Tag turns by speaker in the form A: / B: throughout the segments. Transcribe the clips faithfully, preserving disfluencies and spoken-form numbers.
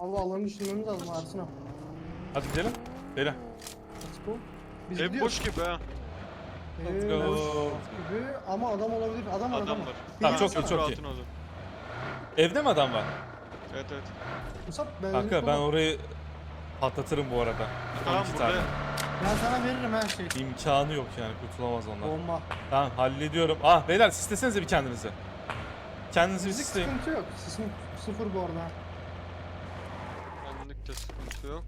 A: Abi alanı düşünmemiz lazım Ersin abi.
B: Hadi gidelim. Beyler.
A: Let's go. Biz
C: Ev
A: gidiyoruz.
C: boş gibi ha.
A: Ee,
B: go.
A: boş gibi ama adam olabilir. Adam var
C: Adam
A: adam
C: var.
B: Tamam, çok iyi,
A: Gelsene.
B: çok iyi.
C: Rahatın olur.
B: Evde mi adam var?
C: Evet evet.
A: Musab ben
B: Kanka ben orayı patlatırım bu arada.
C: Tamam
B: on iki
C: burada.
B: tane.
A: Ben sana veririm her şey.
B: İmkanı yok yani, kurtulamaz onlar.
A: Bomba.
B: Tamam, hallediyorum. Ah beyler, sislesenize bir kendinizi. Kendinizi bir
A: Müzik
B: sisleyin.
A: sıkıntı yok. Sesim sıfır bu arada.
C: Benlik de sıkıntı yok.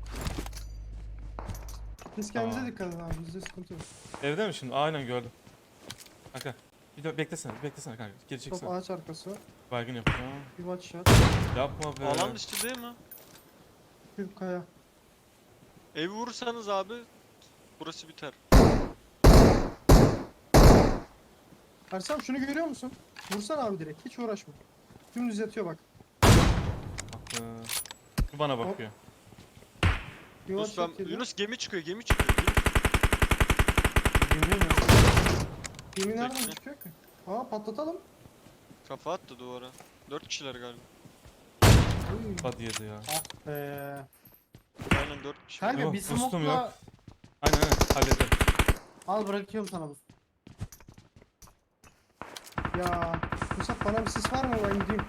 A: Siz kendinize
B: Tamam.
A: dikkat edin abi. Bizde sıkıntı yok.
B: Evde mi şimdi? Aynen gördüm. Kanka. Bir de beklesene, beklesene kanka. Geri
A: Top
B: çeksene.
A: ağaç arkası.
B: Baygın yapacağım.
A: Bir watch shot.
B: Yapma be.
C: Alan dışı değil mi?
A: Bir kaya.
C: Evi vurursanız abi burası biter.
A: Ersin abi şunu görüyor musun? Vursana abi direkt. Hiç uğraşma. Dümdüz yatıyor bak.
B: Ah be. Bu bana bakıyor.
A: Bir
C: Yunus,
A: watch
C: ben,
A: shot yedi.
C: Yunus gemi çıkıyor gemi çıkıyor. Gemi.
A: Gemi mi? Gemi nereden
C: Tekne.
A: çıkıyor ki? Aa patlatalım.
C: Kafa attı duvara. Dört kişiler galiba.
A: Uy.
B: Hadi yedi ya.
A: Ah be.
C: Aynen dört kişi.
A: Kanka
B: Yok,
A: bir
B: boostum
A: smoke'la
B: yok. Aynen aynen, hallederim.
A: al bırakıyorum sana bu. Ya Musab bana bir sis var mı, ben gideyim.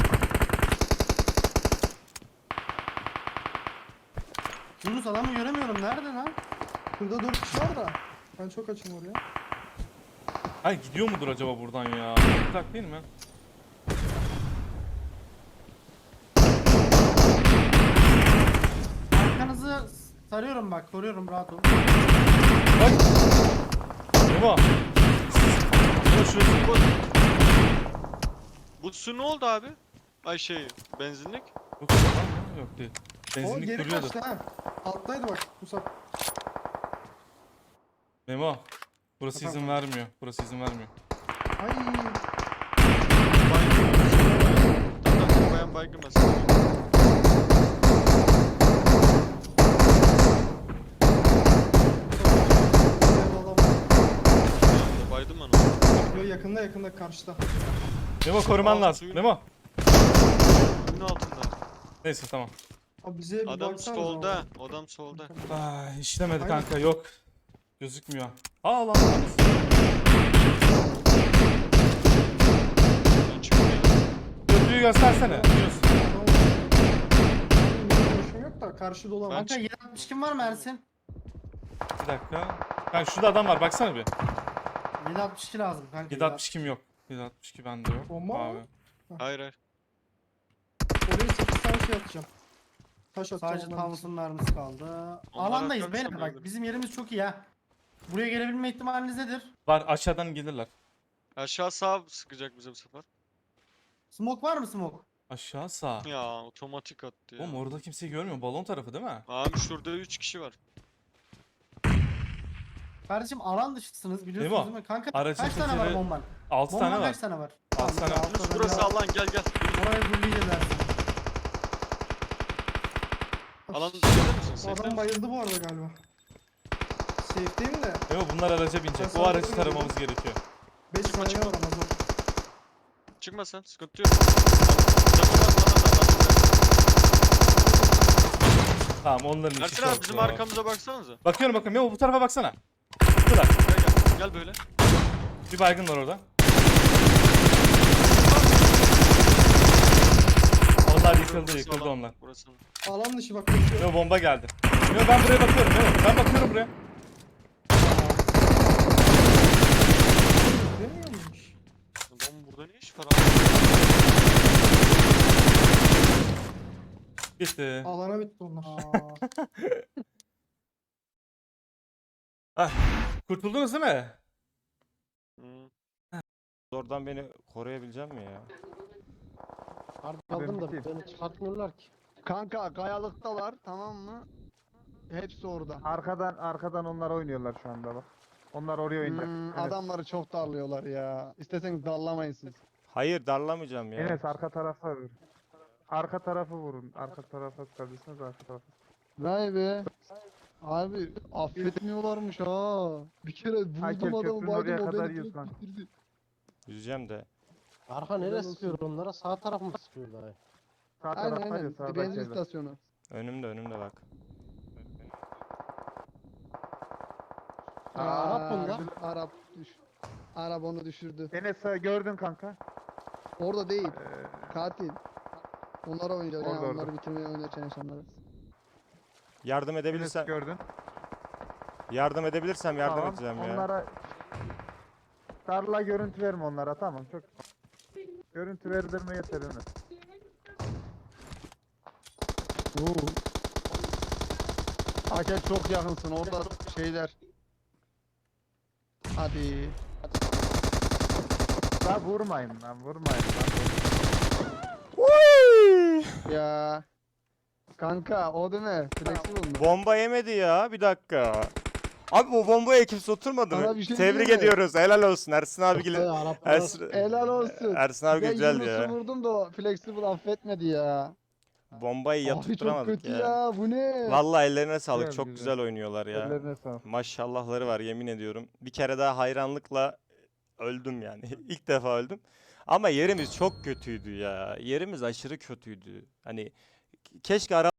A: Yunus adamı göremiyorum, nerede lan? Burada dört kişi var da. Ben çok açım oraya.
B: Ay gidiyor mudur acaba buradan ya? Bırak değil mi?
A: Arkanızı sarıyorum bak, koruyorum, rahat ol.
B: Bak. Baba. Ya şurası.
C: Bu su ne oldu abi? Ay şey benzinlik.
B: Yok lan mı? Yok değil.
A: O
B: Benzinlik
A: geri
B: duruyordu.
A: kaçtı ha. Alttaydı bak Musab.
B: Memo. Burası
A: Efendim?
B: izin vermiyor. Burası izin vermiyor.
A: Ay.
C: Baygın. Tamam tamam bayan baygın mesela. Baydım ben onu.
A: Yo, yakında yakında karşıda.
B: Memo koruman
C: Aa,
B: lazım.
C: suyun-
B: Memo.
C: Suyun altında.
B: Neyse tamam.
A: Abi bize bir
C: Adam
A: baksana
C: solda.
A: zaman.
C: Adam solda.
B: Ay işlemedi
A: Aynen.
B: kanka, yok. Gözükmüyor. Aa lan.
C: Ben çıkmıyor.
B: Köprüyü göstersene. Yunus.
A: Benim yok da karşı dolan.
C: Ben
A: Kanka
C: çık-
A: yedi altmış kim var mı Ersin?
B: Bir dakika. Kanka şurada adam var, baksana bir.
A: yedi altmış iki lazım kanka.
B: yedi altmış kim yok. yedi altmış iki bende yok.
A: Bomba mı?
B: Abi.
C: Hayır hayır.
A: Oraya sekiz tane şey atacağım. Taş atacağım.
D: Sadece
A: onların
D: Thompson mermisi kaldı.
C: Onlar
D: Alandayız
C: atacak
D: beyler
C: sanırım.
D: bak, bizim yerimiz çok iyi ha. Buraya gelebilme ihtimaliniz nedir?
B: Var, aşağıdan gelirler.
C: Aşağı sağ sıkacak bize bu sefer.
D: Smoke var mı smoke?
B: Aşağı sağ.
C: Ya otomatik attı ya.
B: Oğlum orada kimseyi görmüyor. Balon tarafı değil mi?
C: Abi şurada üç kişi var.
D: Kardeşim alan dışısınız biliyorsunuz
B: Memo,
D: değil mi? Kanka
B: aracın
D: kaç tane var
B: tekeri-
D: bomban?
B: altı
D: Bomban
B: tane var.
D: kaç tane var?
B: altı tane var.
C: Yunus burası alan gel gel.
D: Oraya gurleyeceğiz Ersin.
C: Alan dışında mısın?
A: O
C: Safe'de
A: adam
C: misin?
A: bayıldı bu arada galiba. Safe'deyim de.
B: Memo bunlar araca binecek.
A: Ben
B: O aracı
A: sana
B: taramamız gerekiyor.
A: beş
C: Çıkma,
A: saniye
C: çıkma.
A: var ama zor.
C: Çıkma sen sıkıntı yok. Canım basmadan da bak.
B: Tamam, onların işi
C: Ersin
B: çok
C: abi bizim
B: zor.
C: arkamıza baksanıza.
B: Bakıyorum bakıyorum. Memo bu tarafa baksana. Şurada.
C: Gel gel. Gel böyle.
B: Bir baygın var orada. Onlar yıkıldı,
C: Burası
B: yıkıldı
C: alan,
B: onlar.
C: Burası.
A: Alan dışı bak koşuyor.
B: Memo bomba geldi. Memo ben buraya bakıyorum. Memo ben bakıyorum buraya.
A: Demiyor muymuş?
C: Adam burada ne iş var abi?
B: Bitti.
A: Alana bitti onlar.
B: Ah, kurtuldunuz değil mi?
C: Hı.
E: Oradan beni koruyabilecek mi ya?
F: Artık aldım da beni çıkartmıyorlar ki.
G: Kanka kayalıktalar, tamam mı? Hepsi orada.
H: Arkadan arkadan onlar oynuyorlar şu anda bak. Onlar oraya oynayacak.
G: Hmm,
H: Enes,
G: Adamları çok darlıyorlar ya. İsteseniz darlamayın siz.
E: Hayır darlamayacağım ya.
H: Enes arka tarafa vur. Arka tarafı vurun. Arka tarafa sıkabilirsiniz, arka tarafa.
G: Vay be. Abi affetmiyorlarmış ha. Bir kere
H: Hakem
G: vurdum adamı
H: köprünün oraya
G: baydım o
H: kadar
G: beni
H: yüz
G: direkt
H: lan.
G: bitirdi.
E: Yüzeceğim de.
F: Arka nereye sıkıyor onlara? Sağ taraf mı sıkıyor daha?
H: Sağ
G: Aynen
H: taraftaydı
G: aynen.
H: sağdaki
G: Benzin
H: evde.
G: istasyonu.
E: Önümde önümde bak.
F: Aa, Arap bunlar.
G: Arap düş. Arap onu düşürdü.
H: Enes sağ- gördün kanka.
G: Orada değil.
H: Ee,
G: Katil. Onlara oynuyor.
H: Orada,
G: Yani
H: orada.
G: onları bitirmeye oynuyor insanları.
E: Yardım
H: Enes
E: edebilirsem
H: gördün.
E: yardım edebilirsem yardım
H: Tamam,
E: edeceğim ya.
H: onlara darla görüntü verme onlara, tamam çok. Görüntü verdirme yeter Enes.
G: Oo. Hakem çok yakınsın orada şeyler. Hadi.
H: La vurmayın lan, vurmayın lan.
E: Uy!
G: Ya. Kanka o değil mi? Flexible mı?
E: Bomba yemedi ya. Bir dakika. Abi bu bombaya kimse oturmadı
G: Sana
E: mı?
G: bir şey
E: Tebrik
G: diyeyim mi?
E: ediyoruz. Helal olsun Ersin abi
F: Ee,
E: gibi.
F: Araplar
E: Ersin,
G: Helal olsun.
E: Ersin abi
G: Ben
E: güzeldi
G: Yunus'u
E: ya.
G: vurdum da o Flexible affetmedi ya.
E: Bombayı
G: Abi çok
E: yatırtıramadık
G: kötü
E: ya.
G: ya. Bu ne?
E: Vallahi ellerine sağlık.
H: Güzel,
E: Çok
H: güzel.
E: güzel oynuyorlar ya.
H: Ellerine sağlık.
E: Maşallahları var yemin ediyorum. Bir kere daha hayranlıkla öldüm yani. İlk defa öldüm. Ama yerimiz çok kötüydü ya. Yerimiz aşırı kötüydü. Hani keşke ara